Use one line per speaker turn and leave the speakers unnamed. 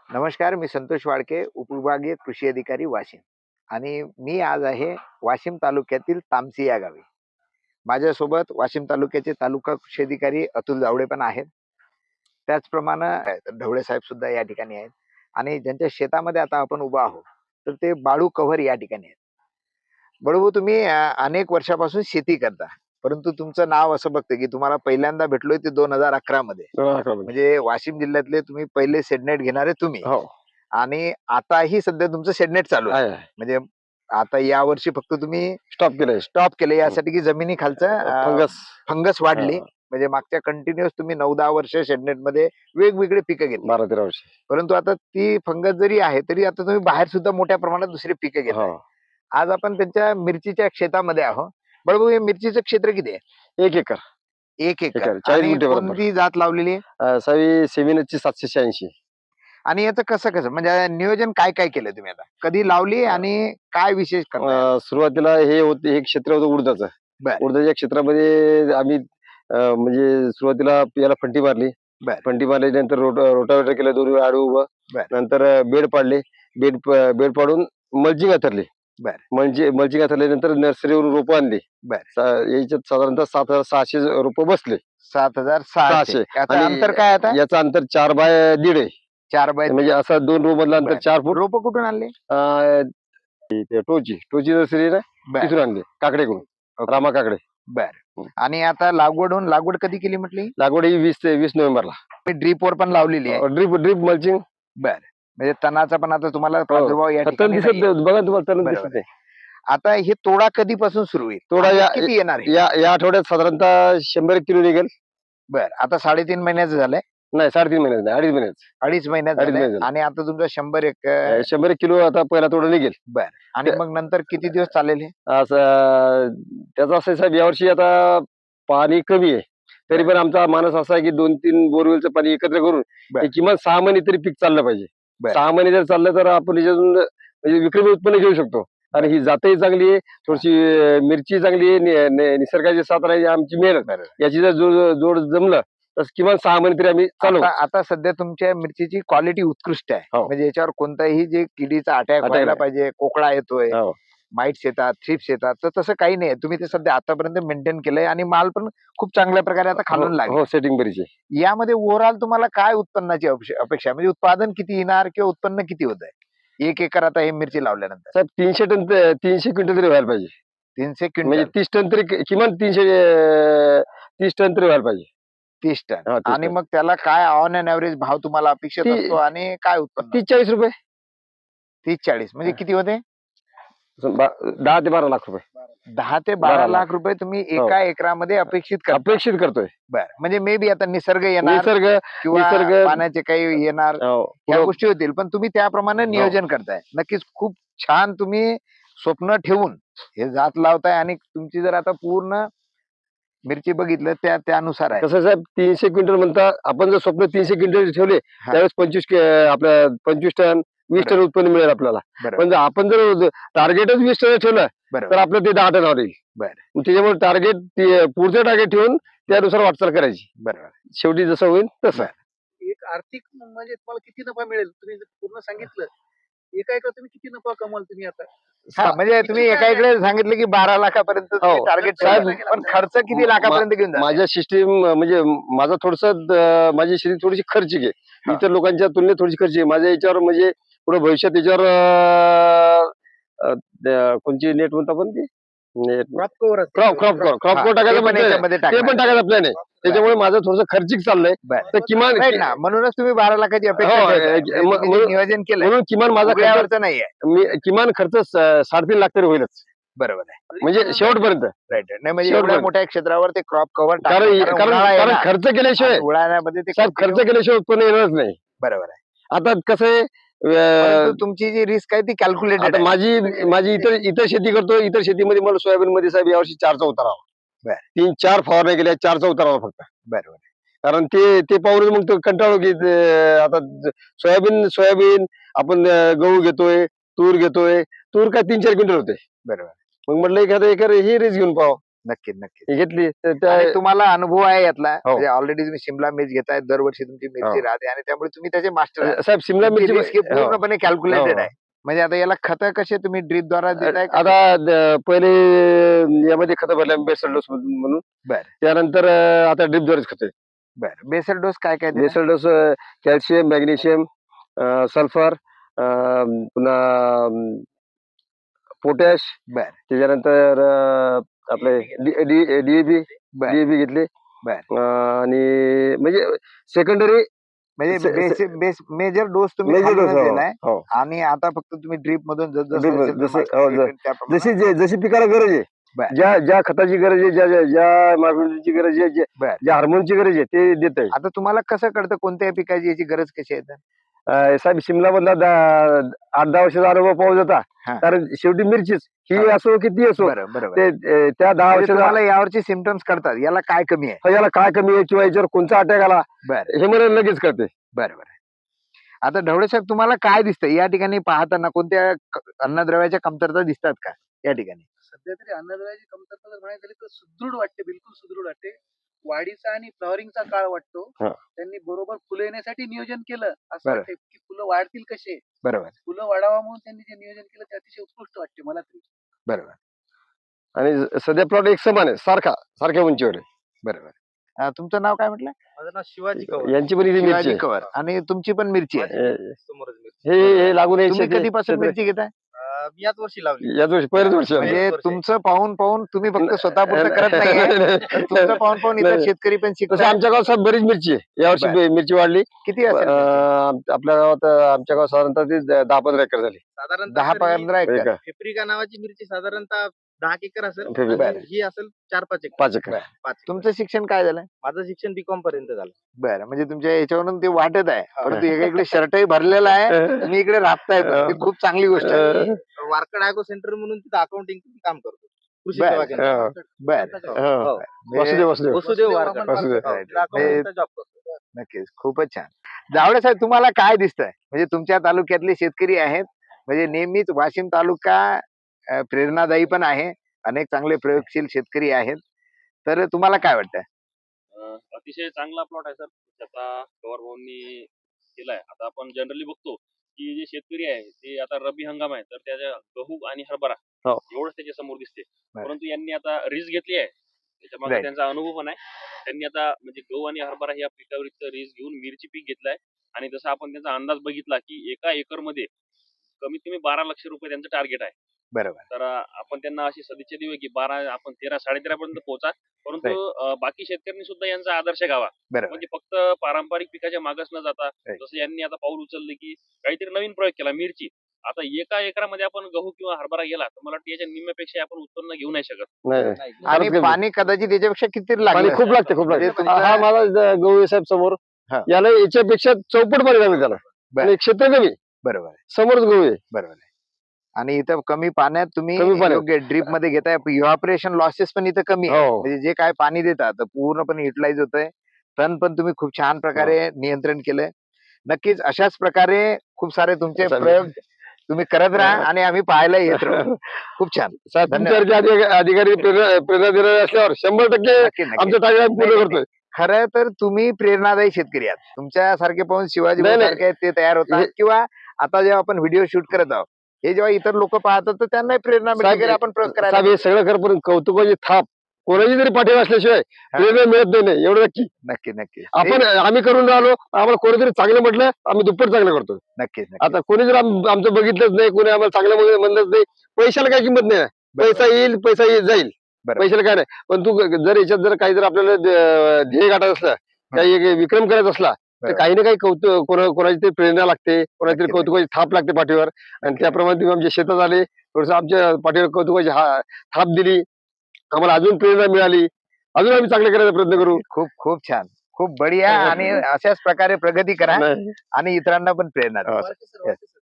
नमस्कार, मी संतोष वाडके, उपविभागीय कृषी अधिकारी वाशिम आणि मी आज आहे वाशिम तालुक्यातील तामसी या गावी. माझ्यासोबत वाशिम तालुक्याचे तालुका कृषी अधिकारी अतुल जावळे पण आहेत. त्याचप्रमाणे ढवळे साहेब सुद्धा या ठिकाणी आहेत आणि ज्यांच्या शेतामध्ये आता आपण उभा आहोत, तर ते बाळू कव्हर या ठिकाणी आहेत. बाळू, तुम्ही अनेक वर्षापासून शेती करता, परंतु तुमचं नाव असं बघतं की तुम्हाला पहिल्यांदा भेटलोय ते 2011 मध्ये.
2011 मध्ये.
म्हणजे वाशिम जिल्ह्यातले तुम्ही पहिले शेडनेट घेणारे तुम्ही.
हो.
आणि आताही सध्या तुमचं शेडनेट चालू आहे.
आहे.
म्हणजे आता या वर्षी फक्त तुम्ही
स्टॉप केलंय
यासाठी की जमिनी खालचं फंगस वाढली.
हा.
म्हणजे मागच्या कंटिन्युअस तुम्ही 9-10 वर्ष शेडनेट मध्ये वेगवेगळे पिकं घेतली.
12-13 वर्ष.
परंतु आता ती फंगस जरी आहे तरी आता तुम्ही बाहेर सुद्धा मोठ्या प्रमाणात दुसरी पिकं घेताय.
हो.
आज आपण त्यांच्या मिरचीच्या शेतामध्ये आहोत. बरोबर, हे मिरचीचं क्षेत्र किती आहे?
1 एकर.
1 एकर.
40
आणि
गुंठे बरोबर.
कोणती जात लावलेली आहे?
सावी सेव्हिनची 786.
आणि याचं कसं म्हणजे नियोजन काय केलं तुम्ही? आता कधी लावली आणि काय विशेष करताय?
सुरुवातीला हे क्षेत्र होतं उडदाचं.
बरं.
उडदाच्या क्षेत्रामध्ये आम्ही म्हणजे सुरुवातीला याला फंटी मारली.
बरं.
फंटी मारल्यानंतर रोटावेटर केलं, 2 वेळा आडू उभं.
बरं.
नंतर बेड पाडले. बेड पाडून मल्चिंग अंथरली.
बरं.
मल्चिंग अंथरल्यानंतर नर्सरीवरून रोपं आणली.
बरं.
याच्यात साधारणतः 7,600 रोपं बसले.
7,600. याचं
आणि
अंतर काय आता?
याचं अंतर 4 बाय 1.5 आहे.
4 बाय
म्हणजे असं 2 रो मधलं अंतर
बरं.
4 फूट.
रोपं कुठून आणले?
टोची नर्सरी ना,
बरं.
तिथून आणले, काकडेकडून. रामा काकडे.
बरं. आणि आता लागवड कधी केली म्हटली?
लागवड ही 20 नोव्हेंबरला.
मी ड्रीपवर पण लावलेली आहे.
Drip mulching.
बरं. म्हणजे तणाचा पण आता तुम्हाला प्रादुर्भाव या
तण
ठिकाणी
दिसत
नाहीये.
नाही. बघा तुम्हाला तण
बरोबर
दिसत नाही.
आता हे तोडा कधीपासून सुरू होईल?
तोडा
आणि
या-
किती येणार आहे?
या आठवड्यात साधारणतः 100 किलो निघेल.
बरं. आता 3.5 महिन्याचं झालंय.
नाही, 3.5 महिन्यात नाही, 2.5 महिन्यात.
2.5 महिन्यात
2.5
झालंय.
महिन्यात.
आणि आता तुमचं 100 एक
100 किलो आता पहिला तोडा निघेल.
बरं. आणि मग नंतर किती दिवस चालेल हे?
असं त्याचा असं साहेब, यावर्षी आता पाणी कमी आहे, तरी पण आमचा मानस असा आहे की 2-3 बोरवेलचं पाणी एकत्र करून
बरं.
हे किमान 6 महिने तरी पीक चाललं पाहिजे.
बरं.
6 महिने जर चाललं तर आपण याच्यातून म्हणजे विक्रमी उत्पन्न घेऊ शकतो. आणि ही जातही चांगली आहे, थोडीशी मिरची चांगली आहे, निसर्गाची साथ राहिली, आमची मेहनत,
बरं.
याची जर जोड जमलं तर किमान 6 महिने तरी आम्ही चालू.
आता सध्या तुमच्या मिरचीची क्वालिटी उत्कृष्ट आहे.
हो.
म्हणजे याच्यावर कोणताही जे किडीचा अटॅक व्हायला
नाही.
पाहिजे, कोकळा येतोय,
हो.
माइट्स येतात, थ्रिप्स येतात, तर तसं काही नाही. तुम्ही ते सध्या आतापर्यंत मेंटेन केलंय आणि माल पण खूप चांगल्या प्रकारे आता खालून लागेल.
हो, सेटिंग बरीच आहे.
यामध्ये ओव्हरऑल तुम्हाला काय उत्पन्नाची अपेक्षा आहे? म्हणजे उत्पादन किती येणार किंवा उत्पन्न किती होत आहे 1 एकर आता हे मिरची लावल्यानंतर?
साहेब 300 क्विंटल तरी व्हायला पाहिजे.
300
म्हणजे
क्विंटल.
30 टन तरी किमान 30 टन तरी व्हायला पाहिजे.
30 टन.
हा, 30
आणि
टन.
मग त्याला काय ऑन अँड एव्हरेज भाव तुम्हाला अपेक्षित
ती-
असतो आणि काय उत्पन्न?
30-40 रुपये.
30-40 म्हणजे किती होते?
10 ते 12 लाख रुपये
10 ते
12
12
लाख.
लाख रुपये तुम्ही एका एकरामध्ये अपेक्षित करता.
अपेक्षित करतोय.
बरं. म्हणजे मे बी आता निसर्ग येणार
निसर्ग
किंवा पाण्याचे काही येणार, या
हो,
गोष्टी होतील, पण तुम्ही त्याप्रमाणे नियोजन करताय. नक्कीच खूप छान तुम्ही स्वप्न ठेवून हे जात लावताय आणि तुमची जर आता पूर्ण मिरची बघितलं त्यानुसार आहे.
कसं साहेब, 300 क्विंटल म्हणता आपण, जर स्वप्न 300 क्विंटल ठेवले
हा.
त्यावेळेस 25 टन 20 टन उत्पन्न मिळेल आपल्याला.
बरोबर.
पण जर आपण जर टार्गेटच 20 टन ठेवलं तर
बरोबर.
आपलं ते 10 टनावर येईल.
बरं.
त्याच्यामुळे पुढचं टार्गेट ठेवून त्यानुसार वाटचाल करायची.
बरोबर.
शेवटी जसं होईल तसं.
एक आर्थिक म्हणजे तुम्हाला किती नफा मिळेल तुम्ही जर पूर्ण सांगितलं, एका एकर तुम्ही किती नफा कमाल तुम्ही आता?
हा, म्हणजे तुम्ही एका इकडे सांगितलं की 12 लाखापर्यंत
हो.
टार्गेट
साहेब,
पण खर्च किती लाखापर्यंत घेऊन जाता?
माझ्या सिस्टीम म्हणजे माझा माझी शेती थोडीशी खर्चिक आहे.
हा.
इतर लोकांच्या तुलनेत थोडीशी खर्चिक आहे. माझ्या याच्यावर म्हणजे पुढे भविष्यात याच्यावर कोणची नेट म्हणतो आपण ती
क्रॉप कव्हर
क्रॉप
हा,
टाकायचं
ते पण
plan आहे.
याच्यामध्ये
ते
टाकणार.
पण टाकायचं प्लॅन आहे. त्याच्यामुळे माझं थोडंसं खर्चिक चाललंय.
बरं.
तर किमान
Right ना, म्हणूनच तुम्ही 12 लाखाची अपेक्षा
हो,
ठेवताय. म्हणजे तुम्ही जे नियोजन केलंय
म्हणून किमान माझा खर्च,
उघड्यावरचं नाहीये.
किमान खर्च 3.5 लाख तरी होईलच,
बरोबर आहे.
म्हणजे शेवटपर्यंत.
राईट. नाही म्हणजे
शेवट
एवढ्या
पण.
मोठ्या क्षेत्रावर ते क्रॉप कव्हर
कारण खर्च केल्याशिवाय
उन्हाळ्यामध्ये ते
साहेब, खर्च केल्याशिवाय उत्पन्न येणारच नाही.
बरोबर आहे.
आता कसं आहे,
परंतु तुमची जी रिस्क आहे ती कॅल्क्युलेटेड
आता
आहे.
माझी इतर शेती करतो. इतर शेतीमध्ये मला सोयाबीन मध्ये साहेब यावर्षी 4चा उतारावा.
बरं.
3-4 फवारण्या केल्या, 4चा उतारावा फक्त.
बरोबर आहे.
कारण ते पाहून मग तो कंटाळो की आता सोयाबीन आपण गहू घेतोय, तूर घेतोय. तूर काय 3-4 क्विंटल होते.
बरोबर.
मग म्हटलं एखादं एकर ही रिस्क घेऊन पाहावं.
नक्की नक्की.
ही घेतली तर त्या
आणि तुम्हाला अनुभव आहे यातला
हो.
म्हणजे ऑलरेडी तुम्ही शिमला मिर्च घेताय दरवर्षी तुमची मिरची
हो.
राहते आणि त्यामुळे तुम्ही त्याचे मास्टर आहात.
साहेब शिमला
तुमची
मिरची
रिस्क ही
हो.
पूर्णपणे कॅल्क्युलेटेड
हो.
आहे. म्हणजे आता याला खत कसे तुम्ही ड्रीप द्वारा देताय का
आता पहिले यामध्ये खत भरल्या बेसल डोस म्हणून
बर
त्यानंतर आता ड्रिप द्वारेच खत आहे.
बर बेसल डोस काय काय देताय?
Basal dose calcium magnesium sulphur पुन्हा पोटॅश
बर
त्याच्यानंतर आपले डीएपी
बर
डीएपी घेतले
बर
आणि म्हणजे सेकंडरी
म्हणजे मेजर डोस तुम्ही
मेजर डोस
खालूनच दिलाय
हो
आणि आता फक्त तुम्ही ड्रीप मधून
Drip मधून जसं- हो,
त्याप्रमाणे
जशी जशी पिकाला गरज आहे
बर.
ज्या ज्या खताची गरज आहे ज्या मायक्रोची गरज आहे
बर.
ज्या हार्मोनची गरज आहे ते देत आहे
आता तुम्हाला कसं कळतं कोणत्या पिकाची याची गरज कशी आहे तर?
साहेब शिमला मधला 8-10 वर्षाचा अनुभव पाहू जाता
हा.
कारण शेवटी मिरचीच ही
हा.
असो किती असो
बरं बरोबर
ते त्या 10
म्हणजे
वर्षाचा
तुम्हाला यावरची सिमटम्स कळतात याला काय कमी आहे.
याला काय कमी आहे किंवा याच्यावर कोणता अटॅक आला
बरं
हे मला लगेच कळते.
बरोबर आता ढवळे साहेब तुम्हाला काय दिसतं या ठिकाणी पाहताना कोणत्या अन्नद्रव्याच्या कमतरता दिसतात का या ठिकाणी?
सध्या तरी अन्नद्रव्याची कमतरता जर म्हणायला गेली तर सुदृढ वाटते, बिलकुल सुदृढ वाटते. वाढीचा आणि फ्लॉवरिंगचा काळ वाटतो.
हा.
त्यांनी बरोबर फुलं येण्यासाठी नियोजन केलं असं
बरं.
वाटते की फुलं वाढतील कसे,
बरोबर
फुलं वाढावा म्हणून त्यांनी जे नियोजन केलं ते अतिशय उत्कृष्ट वाटते मला तरी.
बरोबर
आणि सध्या प्लॉट एक समान आहे सारख्या उंचीवर आहे.
बरोबर तुमचं नाव काय म्हटलं?
माझं नाव शिवाजी कवळ.
यांची पण इथे मिरची
शिवाजी
आहे.
कवर आणि तुमची पण मिरची आहे.
हे लागून
तुम्ही कधीपासून मिरची घेताय?
मी याच वर्षी लावली.
याच वर्षी पहिल्याच वर्षी आलं.
म्हणजे
वर्ष.
तुमचं पाहून पाहून तुम्ही फक्त स्वतः पुरतं करत नाहीये तर तुमचं पाहून पाहून इतर
नाही.
शेतकरी पण
तसं
शिकतात.
आमच्या गावात साहेब बरीच मिरची आहे यावर्षी मिरची वाढली.
किती असेल मिरची?
आपल्या गावात आमच्या गावात साधारणतः ते 10-15 एकर झाली.
साधारणतः
10-15 एकर
एकर.
फेफ्रिका नावाची मिरची साधारणतः 10 एकर असेल.
फेफ्रिका.
आणि ही असेल 4-5 एकर.
5 एकर.
बरं.
5 एकर.
तुमचं शिक्षण काय झालं?
माझं शिक्षण बीकॉम पर्यंत झालं.
बरं म्हणजे तुमच्या याच्यावरून ते वाटत आहे परंतु इकडे शर्टही भरलेला आहे तुम्ही इकडे राबताय पण. ती खूप चांगली गोष्ट आहे.
मी वारकड ॲग्रो सेंटर म्हणून तिथं अकाउंटिंग काम करतो. कृषी
बरं.
सेवा केंद्रात.
बरं
हो.
म्हणजे
वसुदेव
वसुदेव वारकड.
वसुदेव.
Right.
तिथं accounting चा job करतो.
नक्कीच खूपच छान. जावळे साहेब तुम्हाला काय दिसतंय म्हणजे तुमच्या तालुक्यातले शेतकरी आहेत म्हणजे नेहमीच वाशिम तालुका प्रेरणादायी पण आहे अनेक चांगले प्रयोगशील शेतकरी आहेत तर तुम्हाला काय वाटतं?
अतिशय चांगला प्लॉट आहे सर आता पवार भाऊंनी केलाय. आता आपण जनरली बघतो की जे शेतकरी आहे ते आता रब्बी हंगाम आहे तर त्याच्या गहू आणि हरभरा
हो.
एवढंच त्याच्या समोर दिसते.
बरं.
परंतु यांनी आता रिस्क घेतली आहे त्याच्या मागे
Right.
त्यांचा अनुभव पण आहे. त्यांनी आता म्हणजे गहू आणि हरभरा या पिकावर रिस्क घेऊन मिरची पीक घेतलाय आणि जसं आपण त्यांचा अंदाज बघितला की एका एकर मध्ये कमीत कमी 12 लक्ष रुपये त्यांचं टार्गेट आहे.
बरोबर
तर आपण त्यांना अशी सदिच्छा देऊ की 12 आपण 13-13.5 पर्यंत पोहोचा. परंतु बाकी शेतकऱ्यांनी सुद्धा यांचा आदर्श घ्यावा.
बरोबर
म्हणजे फक्त पारंपरिक पिकाच्या मागच न जाता
Right.
जसं यांनी आता पाऊल उचललं की काहीतरी नवीन प्रयोग केला मिरची. आता एका एकरामध्ये आपण गहू किंवा हरभरा गेला तर मला वाटतं याच्या निम्म्यापेक्षा आपण उत्पन्न घेऊ नाही शकत.
नाही
नाही.
आणि
फारच कमी.
पाणी कदाचित याच्यापेक्षा किती
पाणी
लागलं
खूप लागते खूप
म्हणजे
लागते.
तुमचं-
हा माझा गवळी साहेब समोर
हा.
याला याच्यापेक्षा चौपट पाणी लागलं त्याला
बरं.
आणि क्षेत्र कमी
बरोबर आहे,
समोरच गहू आहे.
बरोबर आहे. आणि इथं कमी पाण्यात तुम्ही
कमी पाण्यात.
योग्य ड्रीप मध्ये घेताय इव्हॅपोरेशन लॉसेस पण इथं कमी आहे
हो.
म्हणजे जे काय पाणी देतात तर पूर्णपणे युटिलाइज होतंय. तण पण तुम्ही खूप छान प्रकारे नियंत्रण केलंय. नक्कीच अशाच प्रकारे खूप सारे तुमचे
चालेल.
प्रयोग तुम्ही करत राहा आणि आम्ही पाहायला येत राहू. खूप छान
साहेब
धन्यवाद.
तुमच्यासारखे अधिकारी प्रेरणा देणारे असल्यावर 100%
नक्की नक्की.
आमचं टार्गेट पूर्ण
नाही,
करतोय.
खरं तर तुम्ही प्रेरणादायी शेतकरी आहात. तुमच्यासारखे पाहून शिवाजी
नाही, नाही.
सारखे ते तयार होतात किंवा आता जेव्हा आपण व्हिडिओ शूट करत आहोत हे जेव्हा इतर लोक पाहतात तर त्यांनाही प्रेरणा मिळते
साहेब,
की आपण प्रयोग करायला
साहेब हे सगळं कर पण कौतुकाची थाप कोणाची तरी पाठीवर असल्याशिवाय प्रेरणा मिळत नाही एवढं नक्की.
नक्की नक्की
आपण आम्ही करून राहिलो आम्हाला कोणीतरी चांगलं म्हटलं आम्ही दुप्पट चांगलं करतो.
नक्कीच
आता कोणी जर आमचं बघितलंच नाही कोणी आम्हाला चांगलं म्हणलंच नाही पैशाला काही किंमत नाही. पैसा येईल जाईल
बरोबर.
पैशाला काय नाही. पण तू जर याच्यात जर काही जर आपल्याला ध्येय गाठत असलं काही एक विक्रम करायचा असला तर
बरोबर.
काही ना काही कौतुक कोणाची तरी प्रेरणा लागते कोणाची तरी
नक्की,
कौतुकाची थाप लागते पाठीवर आणि त्याप्रमाणे तुम्ही आमच्या शेतात आले थोडस आमच्या पाठीवर कौतुकाची थाप दिली आम्हाला अजून प्रेरणा मिळाली अजून आम्ही चांगलं करायचा प्रयत्न करू.
खूप खूप छान खूप बढिया आणि अशाच प्रकारे प्रगती करा
नाही.
आणि इतरांना पण प्रेरणा द्या.
हो.
Warke sir, Warke sir.